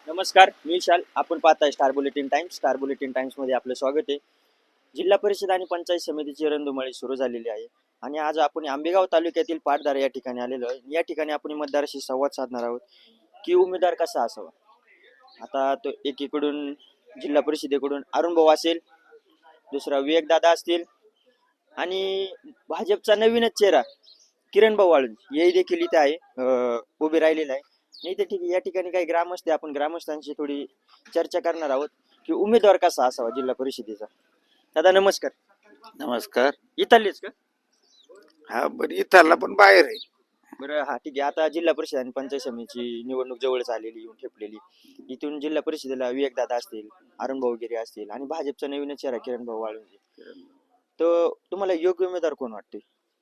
नमस्कार, मी विशाल. आपण पाहताय Star Bulletin Times. Star Bulletin टाइम्समध्ये आपलं स्वागत आहे. जिल्हा परिषद आणि पंचायत समितीची रणधुमाळी सुरू झालेली आहे आणि आज आपण आंबेगाव तालुक्यातील पाटदारा या ठिकाणी आलेलो आहे. या ठिकाणी आपण मतदाराशी संवाद साधणार आहोत की उमेदवार कसा असावा. आता तो एकीकडून जिल्हा परिषदेकडून अरुण भाऊ असेल, दुसरा विवेक दादा असतील आणि भाजपचा नवीनच चेहरा किरण भाऊ वाळुंज हे देखील इथे आहे, उभे राहिलेला आहे. नाही तर ठीक आहे, या ठिकाणी काही ग्रामस्थ आपण ग्रामस्थांशी थोडी चर्चा करणार आहोत की उमेदवार कसा असावा जिल्हा परिषदेचा. दादा नमस्कार. नमस्कार. इथलेच का? हा बरं, इथला पण बाहेर आहे. बरं, हा ठीक आहे. आता जिल्हा परिषद आणि पंचायत समितीची निवडणूक जवळच आलेली, येऊन ठेपलेली. इथून जिल्हा परिषदेला विवेक दादा असतील, अरुण भाऊ गिरे असतील आणि भाजपचा नवीन चेहरा किरण भाऊ वाळुंजे. तर तुम्हाला योग्य उमेदवार कोण वाटते?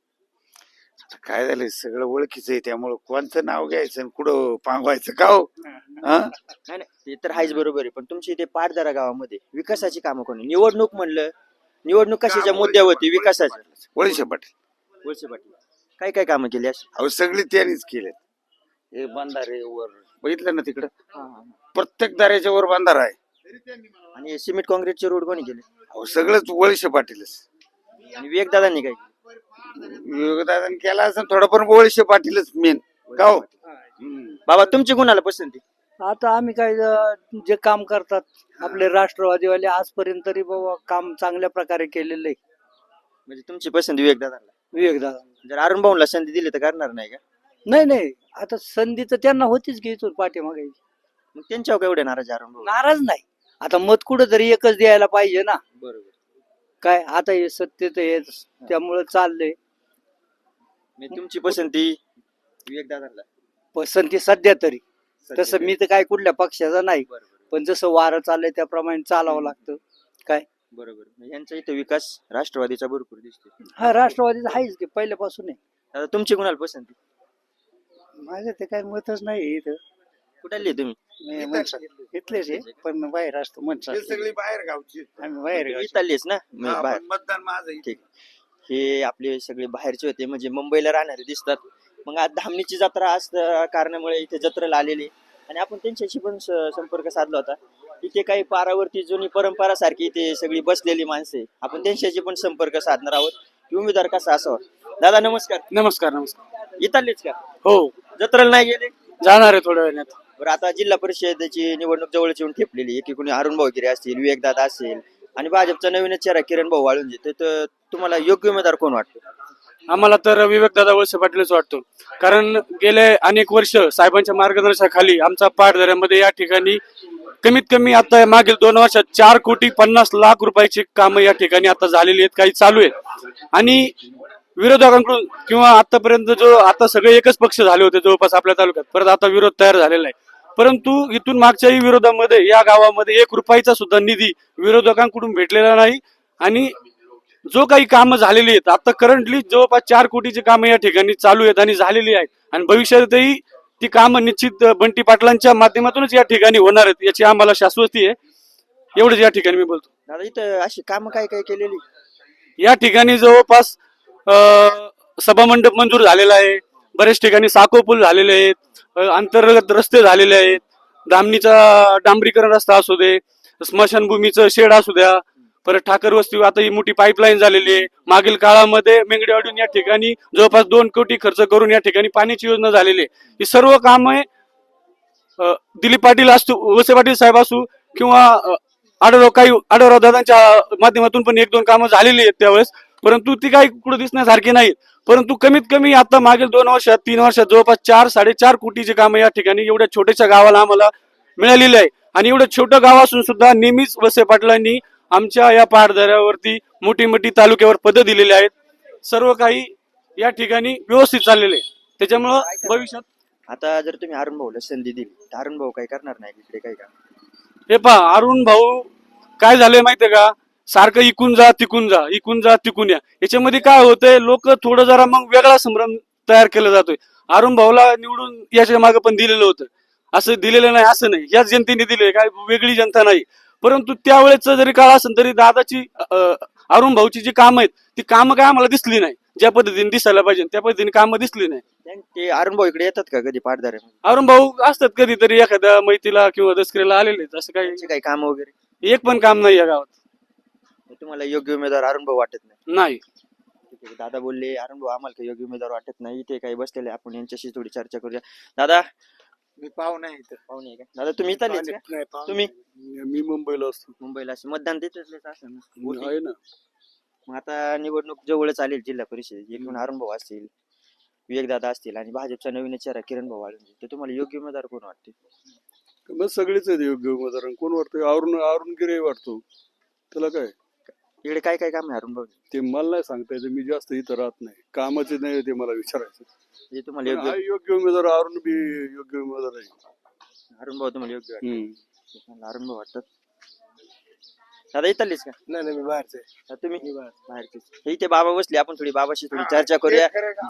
आता काय झालंय, सगळं ओळखीचं आहे, त्यामुळं कोणतं नाव घ्यायचं आणि कुठं पांगवायचं का हो? हा? नाही नाही, ते तर आहेच, बरोबर आहे. पण तुमच्या इथे पाटदरा गावामध्ये विकासाची कामं कोणी? निवडणूक कशाच्या मुद्द्यावरती? विकासाच्या. वळसे पाटील. वळसे पाटील काय काय कामं केली अशी? अहो सगळी त्यांनीच केले. हे बंधारे वर बघितलं ना तिकडं, प्रत्येक दाऱ्याच्या वर बंधारा आहे. आणि सिमेंट काँक्रीटचे रोड कोणी केले? अहो सगळंच वळसे पाटीलच. आणि विवेक दादांनी काय केलं? योगदान केला असं थोडं, पण वळसे पाटीलच मेन का हो? बाबा तुमची कुणाला पसंती? आता आम्ही काय जे काम करतात आपले राष्ट्रवादीवाले आजपर्यंत तरी बाबा काम चांगल्या प्रकारे केलेलं आहे. म्हणजे तुमची पसंती विवेक दादांना. विवेक दादा जर अरुण भाऊला संधी दिली तर करणार नाही का? नाही, आता संधी तर त्यांना होतीच की इथून पाठीमागे. मग त्यांच्यावर काय एवढे नाराज अरुण भाऊ? नाराज नाही, आता मत कुठं तरी एकच द्यायला पाहिजे ना. बरोबर. काय आता हे सत्तेत हे त्यामुळे चाललंय. म्हणजे तुमची पसंती विवेक दादांना. पसंती सध्या तरी तसं मी तर काय कुठल्या पक्षाचा नाही, पण जसं वारं चाललंय त्याप्रमाणे चालावं लागतं. काय बरोबर. म्हणजे यांचा इथं विकास राष्ट्रवादीचा भरपूर दिसतो. हा राष्ट्रवादीचा आहेच की पहिल्यापासून आहे. आता तुमची कुणाला पसंती? माझं ते काय मतच नाही इथं. कुठली तुम्ही? इथलेच आहे पण बाहेर असतो मनसा. हे सगळी बाहेर गावची. आम्ही बाहेर गावचे. इथलीच ना? हा, बाहेर. पण मतदान माझं आहे. ठीक. हे आपले सगळे बाहेरचे होते, म्हणजे मुंबईला राहणारे दिसतात. मग आज धामणीची जत्रा असल्या कारणामुळे इथे जत्रेला आलेली आणि आपण त्यांच्याशी पण संपर्क साधला होता. इथे काही पारावरती जुनी परंपरा सारखी इथे सगळी बसलेली माणसे, आपण त्यांच्याशी पण संपर्क साधणार आहोत की उमेदवार कसा असावा. दादा नमस्कार. नमस्कार. नमस्कार. इथलेच का? हो, जत्रेला नाही गेले? जाणार आहे थोड्या वेळात. बरं, आता जिल्हा परिषदेची निवडणूक जवळच येऊन ठेपलेली. एकीकडे अरुण भाऊ गिरे असतील, विवेक दादा असेल आणि भाजपचा नवीन चेहरा किरण भाऊ वाळुंजे. तर तुम्हाला योग्य उमेदवार कोण वाटतो? आम्हाला तर विवेकदादा वळसे पाटीलच वाटतो. कारण गेले अनेक वर्ष साहेबांच्या मार्गदर्शनाखाली आमचा पाटदऱ्यामध्ये या ठिकाणी कमीत कमी आता मागील 2 वर्षात 4,50,00,000 रुपयाची कामं या ठिकाणी आता झालेली आहेत, काही चालू आहेत. आणि विरोधकांकडून किंवा आतापर्यंत आता सगळे एकच पक्ष झाले होते जवळपास आपल्या तालुक्यात, परत आता विरोध तयार झालेला आहे. परंतु इथून मागच्याही विरोधामध्ये या गावामध्ये 1 रुपयाचा सुद्धा निधी विरोधकांकडून भेटलेला नाही. आणि जो काही कामं झालेली आहेत आता करंटली जवळपास 4 कोटीची कामं या ठिकाणी चालू आहेत आणि झालेली आहेत. आणि भविष्यातही ती कामं निश्चित बंटी पाटलांच्या माध्यमातूनच या ठिकाणी होणार आहेत, याची आम्हाला शाश्वती आहे. एवढंच या ठिकाणी मी बोलतो. दादा इथं अशी कामं काय काय केलेली? या ठिकाणी जवळपास सभामंडप मंजूर झालेला आहे, बरेच ठिकाणी साको पूल झालेले आहेत, अंतर्गत रस्ते झालेले आहेत, धामणीचा डांबरीकरण रस्ता असू दे, स्मशानभूमीचं शेड असू द्या, परत ठाकर वस्ती आता ही मोठी पाईपलाईन झालेली आहे. मागील काळामध्ये मेंगडेवाडीहून या ठिकाणी जवळपास 2 कोटी खर्च करून या ठिकाणी पाण्याची योजना झालेली आहे. ही सर्व कामे दिलीप पाटील असू, वळसे पाटील साहेब असू किंवा आढळराव दादांच्या माध्यमातून पण 1-2 कामं झालेली आहेत त्यावेळेस, परंतु ती काही कुठं दिसण्यासारखी नाहीत. परंतु कमीत कमी आता मागील 2 वर्षात 3 वर्षात जवळपास 4-4.5 कोटीची कामं या ठिकाणी एवढ्या छोट्याशा गावाला आम्हाला मिळालेली आहे. आणि एवढं छोटं गाव असून सुद्धा नेहमीच वळसे पाटलांनी आमच्या या पहाडदऱ्यावरती मोठी मोठी तालुक्यावर पदं दिलेली आहेत. सर्व काही या ठिकाणी व्यवस्थित चाललेले आहे. त्याच्यामुळं भविष्यात आता जर तुम्ही अरुण भाऊला संधी दिली तर अरुण भाऊ काय करणार नाही इकडे काय का? हे पहा, अरुण भाऊ काय झालंय माहितीये का, सारखं इकून जा तिकून जा, इकून जा तिकून या. याच्यामध्ये काय होतंय, लोक थोडं जरा मग वेगळा संभ्रम तयार केला जातोय. अरुण भाऊला निवडून याच्या मागे पण दिलेलं होतं, असं दिलेलं नाही असं नाही, याच जनतेने दिले, काय वेगळी जनता नाही. परंतु त्यावेळेच जरी काळ असेल तरी दादाची अरुण भाऊची जी कामं आहेत ती कामं काय आम्हाला दिसली नाही. ज्या पद्धतीने दिसायला पाहिजे त्या पद्धतीने कामं दिसली नाही. ते अरुण भाऊ इकडे येतात का कधी पाटदारे अरुण भाऊ असतात कधीतरी एखाद्या मैतीला किंवा दसऱ्याला आलेले असं काही त्यांचे काही काम वगैरे एक पण काम नाही या गावात. तुम्हाला योग्य उमेदवार अरुण भाऊ वाटत नाही? नाही. ठीक आहे. दादा बोलले अरुण भाऊ आम्हाला काही योग्य उमेदवार वाटत नाही. इथे काही बसलेले आपण यांच्याशी थोडी चर्चा करूया. दादा मी पाहुणा आहे पाहुणे आहे का? दादा तुम्ही इथलेच का? तुम्ही मी मुंबईला असतो. मुंबईला असे मतदान तिथेच असेल ना? वोटिंग. आहे ना. मग आता निवडणूक जवळच आली जिल्हा परिषद एकूण अरुण भाऊ असतील, विवेक दादा असतील आणि भाजपचा नवीन चेहरा किरण भाऊ वाळुंजे. तर तुम्हाला योग्य उमेदवार कोण वाटते? मग सगळेच आहेत योग्य उमेदवार. कोण वाटतं? अरुण गिरे वाटतो. त्याला काय इकडे काय काय काम आहे अरुण भाऊ? ते मला नाही सांगता येतं. मी जास्त इथं राहत नाही. कामाचे नाही ते मला विचारायचं. म्हणजे तुम्हाला पण योग्य हा योग्य उमेदवार अरुण बी योग्य उमेदवार आहे. अरुण भाऊ तुम्हाला योग्य वाटतं? हम्म. मला अरुण भाऊ वाटतात. दादा इथलेच का? नाही मी बाहेरचे. तुम्ही बाहेरचेच. हे इथे बाबा बसले आपण थोडी बाबाशी थोडी चर्चा करूया.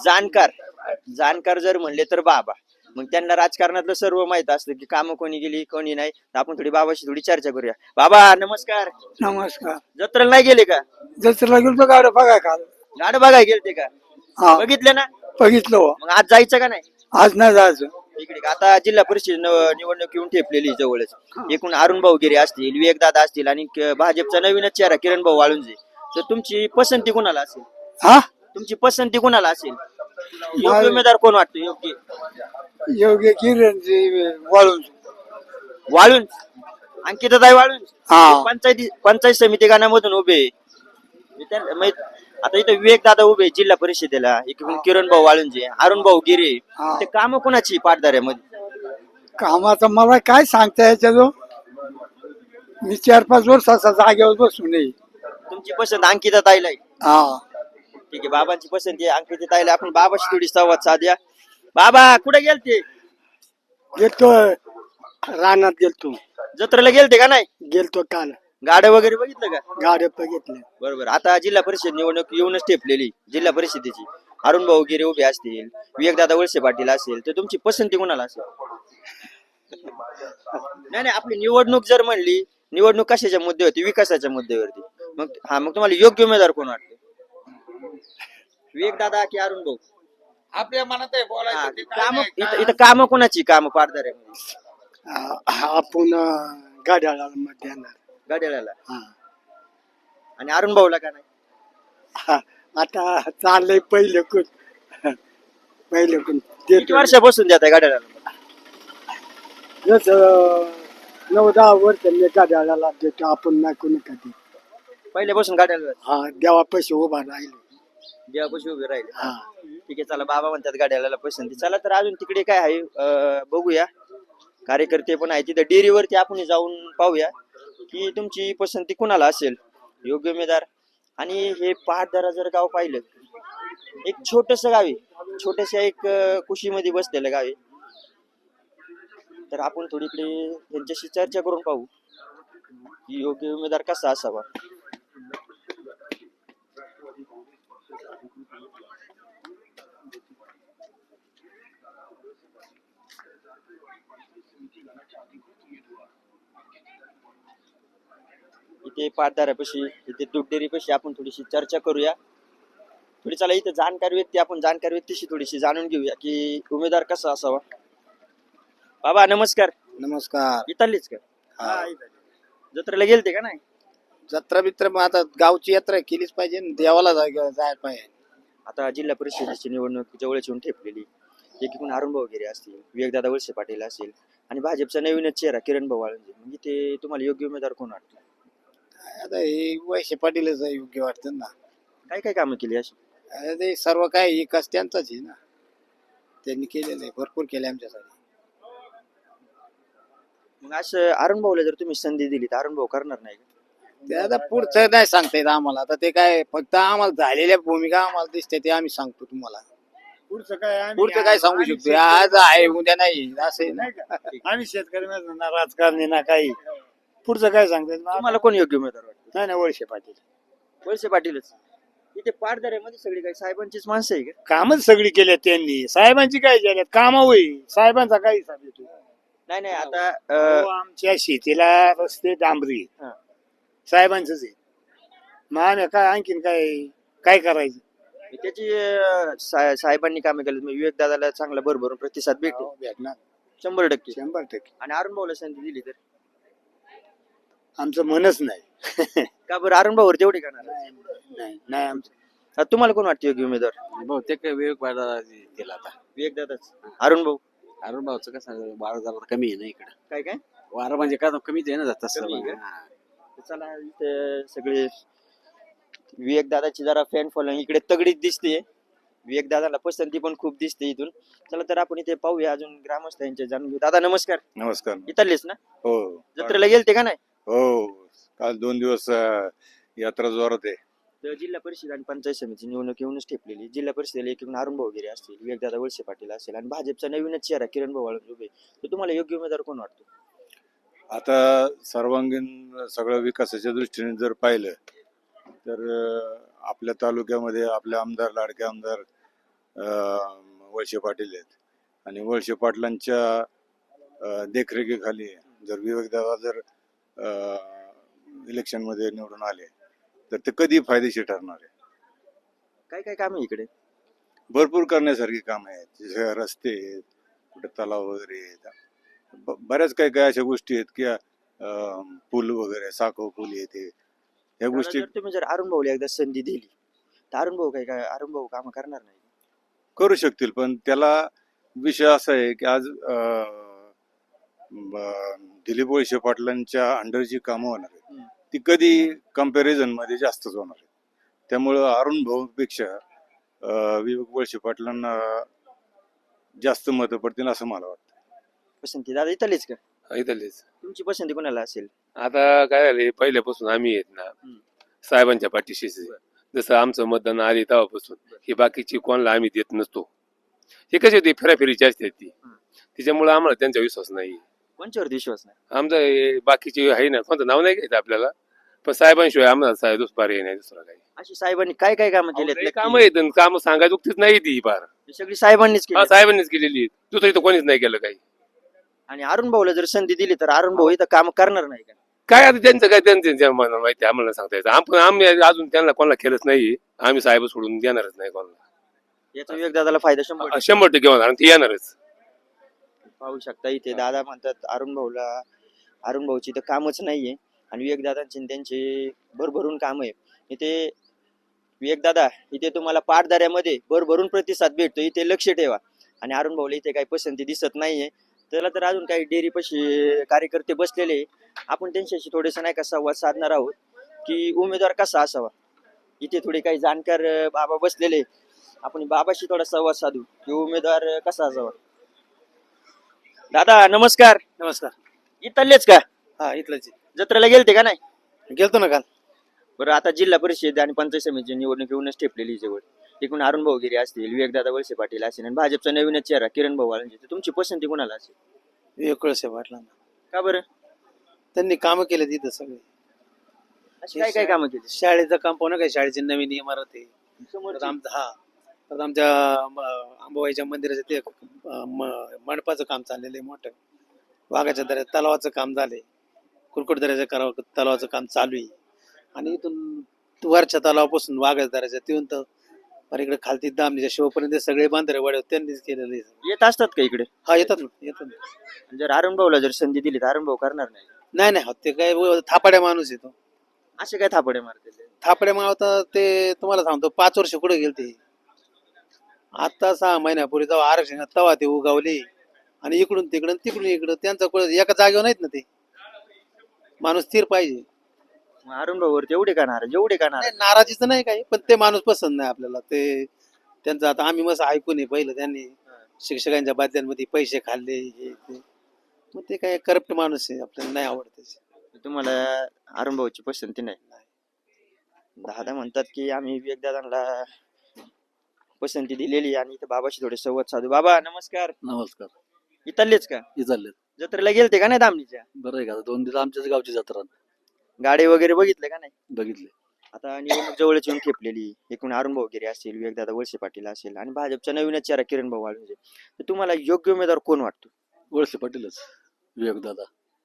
जाणकार जर म्हणले तर बाबा, मग त्यांना राजकारणातलं सर्व माहित असतं की कामं कोणी गेली कोणी नाही. तर आपण थोडी बाबाशी थोडी चर्चा करूया. बाबा नमस्कार. नमस्कार. जत्रेला नाही गेले का? जत्रेला गेलो गाड्या बघा काल. गाड बघाय गेलते का? हा बघितले ना? बघितलं हो. मग आज जायचं का नाही आज नाही जायचं. इकडे? आता जिल्हा परिषद निवडणूक येऊन ठेपलेली जवळच. एकूण अरुण भाऊ गिरे असतील, विवेक दादा असतील आणि भाजपचा नवीनच चेहरा किरण भाऊ वाळुंजे. तर तुमची पसंती कोणाला असेल? हा तुमची पसंती कोणाला असेल? योग्य उमेदवार कोण वाटतो? योग्य योग्य किरण वाळून अंकिताताई वाळून हा. पंचायत समिती गाण्यामधून उभे आहे. आता इथं विवेक दादा उभे जिल्हा परिषदेला, एकूण किरण भाऊ वाळुंजे, अरुण भाऊ गिरे. हा. ते काम कोणाची पाटदाऱ्यामध्ये? कामाचं मला काय सांगता याच्या मी 4-5 वर्ष असा जागेवर बसून नये. तुमची पसंत अंकिताताईला आहे? हा ठीक आहे. बाबांची पसंती आहे अंकिताताईला. आपण बाबाशी थोडी संवाद साधूया. बाबा कुठे गेलते? गेलतो रानात गेलतो. जत्रेला गेलते का नाही? गेलतो काल. गाड्या वगैरे बघितलं का? गाड्या बघितल्या. बरोबर. आता जिल्हा परिषद निवडणूक येऊनच ठेपलेली जिल्हा परिषदेची. अरुण भाऊ गिरे उभे असतील, विवेकदादा वळसे पाटील असेल. तर तुमची पसंती कोणाला असेल? नाही आपली निवडणूक जर म्हणली, निवडणूक कशाच्या मुद्द्यावरती? विकासाच्या मुद्द्यावरती. मग तुम्हाला योग्य उमेदवार कोण वाटते? विवेक दादा की अरुण भाऊ? आपल्या मनात आहे बोलायचं. काम इथं काम कोणाची? काम पारदार आपण गाड्याला मत देणार. गाड्याला हा. आणि अरुण भाऊला का नाही? हा. आता चाललंय पहिलं किती वर्षापासून देत आहे गाड्याला? जसं 9-10 वर्ष मी गाड्याला देतो. आपण नाही कोणी कधी. पहिल्यापासून गाड्याला हा देवापाशी उभा राहिले. देवापाशी उभे राहिले. हा ठीक आहे. चला बाबा म्हणतात गाड्याला पसंती. चला तर अजून तिकडे काय आहे बघूया. कार्यकर्ते पण आहे तिथे. डेअरीवरती आपण जाऊन पाहूया की तुमची पसंती कुणाला असेल योग्य उमेदवार. आणि हे पहाटदारा जर गाव पाहिलं, एक छोटस गाव आहे, छोट्याशा एक कुशीमध्ये बसलेलं गाव आहे. तर आपण थोडीकडे यांच्याशी चर्चा करून पाहू की योग्य उमेदवार कसा असावा. इथे पाटदारापाशी, इथे दुधडेरीपाशी आपण थोडीशी चर्चा करूया. थोडी चला इथे जाणकार व्यक्तीशी थोडीशी जाणून घेऊया की उमेदवार कसा असावा. बाबा नमस्कार. नमस्कार. इथलीच का? जत्रेला गेलते का नाही? जत्रा बित्रा मग आता गावची यात्रा केलीच पाहिजे. देवाला जायला पाहिजे. आता जिल्हा परिषदेची निवडणूक जवळच येऊन ठेपलेली. एकूण अरुण भाऊ गिरे असतील, विवेकदादा वळसे पाटील असेल आणि भाजपचा नवीनच चेहरा किरण भाऊ वाळुंजे. म्हणजे ते तुम्हाला योग्य उमेदवार कोण वाटतं? आता हे वळसे पाटीलच योग्य वाटतं ना. काय काय कामं केली अशी? ते सर्व काय विकास त्यांचाच आहे ना. त्यांनी केलेलं आहे, भरपूर केले आमच्यासाठी. मग असं अरुण भाऊला जर तुम्ही संधी दिली तर अरुण भाऊ करणार नाही का? ते आता पुढचं नाही सांगता येत आम्हाला. आता ते काय फक्त आम्हाला झालेल्या भूमिका आम्हाला दिसते ते आम्ही सांगतो तुम्हाला. पुढचं काय सांगू शकतो. आज आहे उद्या नाही असं नाही का. आम्ही शेतकरी ना राजकारणी ना काही. पुढचं काय सांगता तुम्हाला कोण योग्य उमेदवार वाटतं? नाही वळसे पाटील. वळसे पाटीलच. इथे पाटदऱ्यामध्ये सगळी काही साहेबांचीच माणसं आहे का? कामच सगळी केल्यात त्यांनी. साहेबांची काय केल्यात काम होईल. साहेबांचा काही हिसाब येतो. नाही आता आमच्या शेतीला रस्ते डांबरी साहेबांचंच आहे. मग आम्ही काय आणखीन काय करायचं? त्याची साहेबांनी कामे केली विवेक दादाला चांगला भरभरून प्रतिसाद भेटेल हो, भेटणार 100%. 100%. आणि अरुण भाऊला संधी दिली तर आमचं मनच नाही. का बरं अरुण भाऊवर तेवढे करणार नाही नाही आमचं तुम्हाला कोण वाटतं योग्य उमेदवार बहुतेक विवेक वाढा दिला आता विवेक दादाच अरुण भाऊ अरुण भाऊचं कसं वारं जरा कमी आहे ना इकडं काय काय वारं म्हणजे काय कमीच आहे ना तसं कमी आहे हा. चला इथे सगळे विवेक दादाची जरा फॅन फॉलोइंग इकडे तगडीच दिसते विवेक दादाला पसंती पण खूप दिसते इथून चला तर आपण इथे पाहूया अजून ग्रामस्थ यांचे जाणून घेऊ दादा नमस्कार नमस्कार. इथलेच ना हो जत्रेला गेलते का नाही हो काल 2 दिवस यात्रा जोरात आहे. तर जिल्हा परिषद आणि पंचायत समिती निवडणूक येऊनच ठेपलेली जिल्हा परिषदेला एकूण अरुण भाऊ वगैरे असतील विवेकदादा वळसे पाटील असेल आणि भाजपचा नवीनच चेहरा किरण भाऊ वाळून उभे तर तुम्हाला योग्य उमेदवार कोण वाटतो आता सर्वांगीण सगळं विकासाच्या दृष्टीने जर पाहिलं तर आपल्या तालुक्यामध्ये आपले आमदार लाडके आमदार वळसे पाटील आहेत आणि वळसे पाटलांच्या देखरेखीखाली जर विवेकदादा जर इलेक्शन मध्ये निवडून आले तर ते कधी फायदेशीर ठरणार आहे. काय काय काम आहे इकडे भरपूर करण्यासारखी काम आहेत जसे रस्ते आहेत कुठे तलाव वगैरे आहेत बऱ्याच काही काही अशा गोष्टी आहेत की पूल वगैरे साखो पूल येते या गोष्टी जर तुम्ही जर अरुण भाऊला एकदा संधी दिली तर अरुण भाऊ काय अरुण भाऊ काम करणार नाही करू शकतील पण त्याला विषय असा आहे की आज दिलीप वळसे पाटलांच्या अंडर जी कामं होणार आहेत ती कधी कम्पॅरिझन मध्ये जास्तच होणार आहेत त्यामुळं अरुण भाऊपेक्षा विवेक वळसे पाटलांना जास्त मतं पडतील असं मला वाटतं. पसंती दादा इथलेच का इथलेच तुमची पसंती कोणाला असेल आता काय झाले पहिल्यापासून आम्ही येत ना साहेबांच्या पाठीशीच आहे. जसं आमचं मतदान आले तेव्हापासून ही बाकीची कोणाला आम्ही देत नसतो हे कशी होती फेराफेरीची असते ती त्याच्यामुळे आम्हाला त्यांचा विश्वास नाही कोणच्यावर विश्वास नाही आमचं हे बाकीची आहे ना कोणतं नाव नाही घ्यायचं आपल्याला पण साहेबांशिवाय आम्हाला साहेब पर्याय नाही दुसरा काही अशी साहेबांनी काय काय कामं केली काम आहेत काम सांगायची उक्तीच नाही ती फार सगळी साहेबांनीच केली साहेबांनीच केलेली आहेत. दुसरं इथं कोणीच नाही केलं काही आणि अरुण भाऊला जर संधी दिली तर अरुण भाऊ इथं काम करणार नाही का काय आता त्यांचं काय त्यांच्या मनाला माहिती आम्हाला सांगता येतं आपण आम्ही अजून त्यांना कोणाला केलंच नाही आम्ही साहेब सोडून देणारच नाही कोणाला याचा विवेक दादाला फायदा 100%. 100% होणार आणि ते येणारच पाहू शकता इथे दादा म्हणतात अरुण भाऊची तर कामच नाहीये आणि विवेक दादांची त्यांचे भरभरून काम आहे इथे विवेक दादा इथे तुम्हाला पाटदाऱ्यामध्ये भरभरून प्रतिसाद भेटतो इथे लक्ष ठेवा आणि अरुण भाऊला इथे काही पसंती दिसत नाहीये त्याला तर अजून काही डेअरीपाशी कार्यकर्ते बसलेले आपण त्यांच्याशी थोडेसे नाही का संवाद साधणार आहोत की उमेदवार कसा असावा इथे थोडे काही जाणकार बाबा बसलेले आपण बाबाशी थोडा संवाद साधू की उमेदवार कसा असावा दादा नमस्कार नमस्कार. इथलेच का हा इथलंच जत्रेला गेलते का नाही गेलतो ना काल. बरं आता जिल्हा परिषद आणि पंचायत समितीची निवडणूक येऊनच ठेपलेली जवळ एकूण अरुण भाऊ गिरी असतील विवेकदादा वळसे पाटील असतील आणि भाजपचा नवीनच चेहरा किरण भाऊ वाळंजे तर तुमची पसंती कोणाला असेल विवेक वळसे पाटलांना का बरं त्यांनी कामं केले तिथं सगळे अशी काय काय कामं केली शाळेचं काम पाहू काय शाळेची नवीन इमारत आहे परत आमच्या अंबाबाईच्या मंदिराचं ते मंडपाचं काम चाललेलं आहे मोठं वाघाच्या दऱ्यात तलावाचं काम झालंय कुरकुट दऱ्याचं तलावाचं काम चालू आहे आणि इथून वरच्या तलावापासून वाघाच्या दऱ्याच्या तिथून तर इकडे खालती दामणीच्या शिवपर्यंत सगळे बांधरे वाड्या त्यांनीच केलेले येत असतात का इकडे हा येतात ना जर अरुण भाऊला जर संधी दिली तर अरुण भाऊ करणार नाही नाही ते काय थापाड्या माणूस येतो असे काय थापडे मारते थापड्या मावता ते तुम्हाला सांगतो 5 वर्ष कुठे गेले ते आता 6 महिन्यापूर्वी जेव्हा आरक्षण तेव्हा ते उगावले आणि इकडून तिकडून त्यांचा एका जागेवर नाहीत ना ते माणूस स्थिर पाहिजे अरुण भाऊवर तेवढे का नाराज जेवढे का नाराज नाराजीचं नाही काही पण ते माणूस पसंत नाही आपल्याला ते त्यांचं आता आम्ही मस्त ऐकून आहे पहिलं त्यांनी शिक्षकांच्या बादल्यांमध्ये पैसे खाल्ले हे ते मग ते काय करप्ट माणूस आहे आपल्याला नाही आवडत तुम्हाला अरुण भाऊची पसंती नाही दादा म्हणतात की आम्ही विवेक दादांना पसंती दिलेली आणि इथं बाबाशी थोडे संवाद साधू बाबा नमस्कार नमस्कार. इथलेच का हे चालले जत्रेला गेलते का नाही दामणीच्या बरं आहे का 2 दिवस आमच्याच गावची जत्रा गाडी वगैरे बघितले का नाही बघितले आता निवडणूक जवळच येऊन खेपलेली एकूण अरुण भाऊ गिरी असतील विवेकदादा वळसे पाटील असेल आणि भाजपचा नवीनच चेहरा किरण भाऊ वाळुंजे तर तुम्हाला योग्य उमेदवार कोण वाटतो वळसे पाटीलच विवेक दादा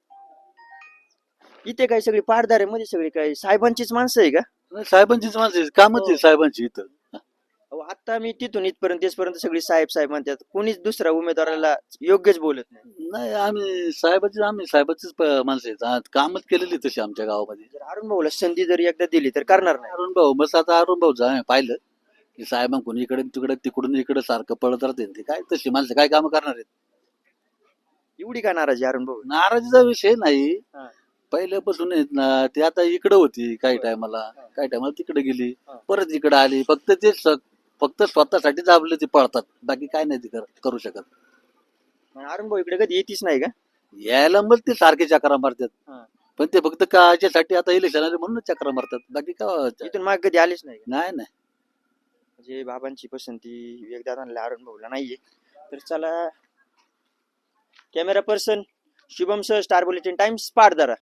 इथे काही सगळी पारदार मध्ये सगळी काही साहेबांचीच माणसं आहे का साहेबांचीच माणसं कामच आहे साहेबांची इथं अहो, आता मी तिथून इथपर्यंत सगळी साहेब साहेब म्हणतात, कोणीच दुसऱ्या उमेदवाराला योग्यच बोलत नाही. नाही आम्ही साहेबाचीच माणसं आहेत कामच केलेली तशी आमच्या गावामध्ये. जर अरुण भाऊला संधी जरी एकदा दिली तर करणार नाही. अरुण भाऊ बस आता अरुण भाऊचं आम्ही पाहिलं की साहेबांकडून इकडे तिकडे तिकडून इकडे सारखं पळत राहते ते काय तशी माणसं काय कामं करणार आहेत. एवढी का नाराजी अरुण भाऊ? नाराजीचा विषय नाही हा. पहिल्यापासून आहेत ना ते आता इकडे होती काही टायमाला तिकडे गेली परत इकडे आली फक्त स्वतःसाठी दाबले ते पळतात बाकी काय नाही ते करू शकत. मग अरुण भाऊ इकडे कधी येतीच नाही का? यायला मग ते सारखे चक्रा मारतात हा. पण ते फक्त काच्यासाठी आता इलेक्शन आले म्हणून चक्रा मारतात बाकी काय इथून माग कधी आलेच नाही का? नाही. म्हणजे बाबांची पसंती विवेकदादांना अरुण भाऊला नाहीये. तर चला, कॅमेरा पर्सन शुभम सह, स्टार बुलेटिन टाइम्स, पाटदरा.